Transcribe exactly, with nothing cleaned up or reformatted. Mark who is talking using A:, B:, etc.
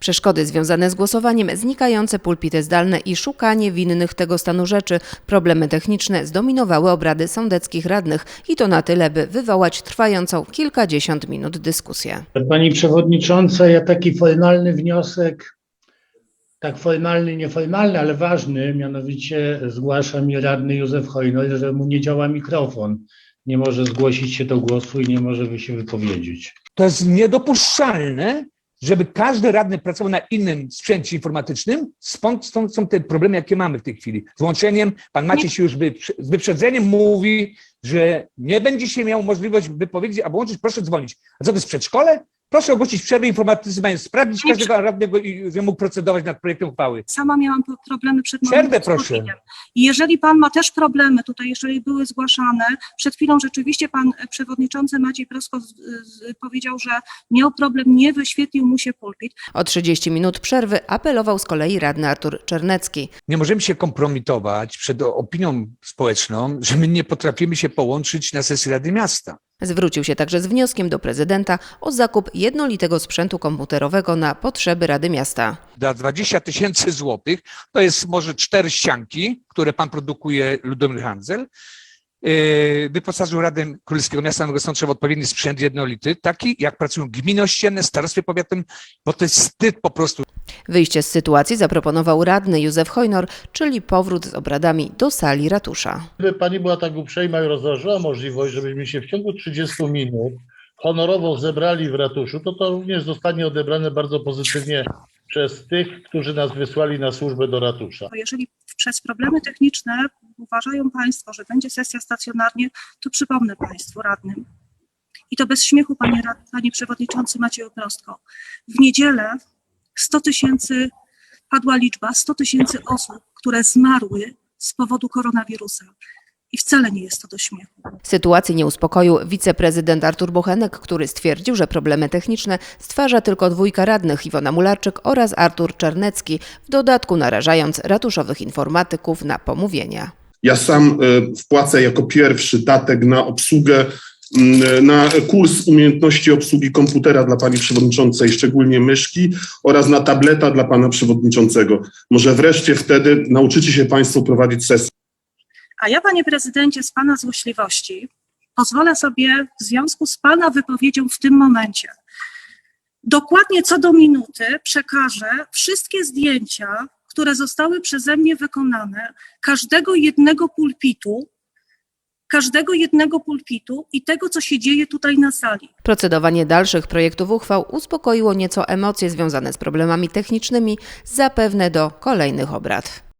A: Przeszkody związane z głosowaniem, znikające pulpity zdalne i szukanie winnych tego stanu rzeczy, problemy techniczne zdominowały obrady sądeckich radnych i to na tyle, by wywołać trwającą kilkadziesiąt minut dyskusję.
B: Pani przewodnicząca, ja taki formalny wniosek, tak formalny, nieformalny, ale ważny, mianowicie zgłasza mi radny Józef Hojnor, że mu nie działa mikrofon. Nie może zgłosić się do głosu i nie może się wypowiedzieć.
C: To jest niedopuszczalne, żeby każdy radny pracował na innym sprzęcie informatycznym. Stąd, stąd są te problemy, jakie mamy w tej chwili. Z łączeniem, pan Maciej się już z wyprzedzeniem mówi, że nie będzie się miał możliwość wypowiedzieć, albo łączyć, proszę dzwonić. A co to jest przedszkole? Proszę ogłosić przerwę informatyzacyjną, sprawdzić każdego radnego i że mógł procedować nad projektem uchwały.
D: Sama miałam problemy przed
C: Przerwę, proszę.
D: I jeżeli pan ma też problemy, tutaj jeżeli były zgłaszane, przed chwilą rzeczywiście pan przewodniczący Maciej Prosko z, z, powiedział, że miał problem, nie wyświetlił mu się pulpit.
A: O trzydzieści minut przerwy apelował z kolei radny Artur Czernecki.
C: Nie możemy się kompromitować przed opinią społeczną, że my nie potrafimy się połączyć na sesji Rady Miasta.
A: Zwrócił się także z wnioskiem do prezydenta o zakup jednolitego sprzętu komputerowego na potrzeby Rady Miasta.
C: Za dwadzieścia tysięcy złotych to jest może cztery ścianki, które pan produkuje, Ludomir Handzel. Wyposażył Radę Królewskiego Miasta Nowego Sącza w odpowiedni sprzęt jednolity, taki jak pracują gminy ościenne, starostwie powiatowym, bo to jest wstyd po prostu.
A: Wyjście z sytuacji zaproponował radny Józef Hojnor, czyli powrót z obradami do sali ratusza.
B: Gdyby pani była tak uprzejma i rozważyła możliwość, żebyśmy się w ciągu trzydziestu minut honorowo zebrali w ratuszu, to to również zostanie odebrane bardzo pozytywnie przez tych, którzy nas wysłali na służbę do ratusza.
D: Jeżeli przez problemy techniczne uważają państwo, że będzie sesja stacjonarnie, to przypomnę państwu radnym. I to bez śmiechu, panie, panie przewodniczący Macieju Prostko. W niedzielę sto tysięcy, padła liczba sto tysięcy osób, które zmarły z powodu koronawirusa. I wcale nie jest to do śmiechu.
A: Sytuacji nie uspokoił wiceprezydent Artur Bochenek, który stwierdził, że problemy techniczne stwarza tylko dwójka radnych, Iwona Mularczyk oraz Artur Czernecki, w dodatku narażając ratuszowych informatyków na pomówienia.
E: Ja sam wpłacę jako pierwszy datek na obsługę, na kurs umiejętności obsługi komputera dla pani przewodniczącej, szczególnie myszki, oraz na tableta dla pana przewodniczącego. Może wreszcie wtedy nauczycie się państwo prowadzić sesję.
D: A ja, panie prezydencie, z pana złośliwości pozwolę sobie w związku z pana wypowiedzią w tym momencie dokładnie co do minuty przekażę wszystkie zdjęcia, które zostały przeze mnie wykonane, każdego jednego pulpitu, każdego jednego pulpitu i tego, co się dzieje tutaj na sali.
A: Procedowanie dalszych projektów uchwał uspokoiło nieco emocje związane z problemami technicznymi, zapewne do kolejnych obrad.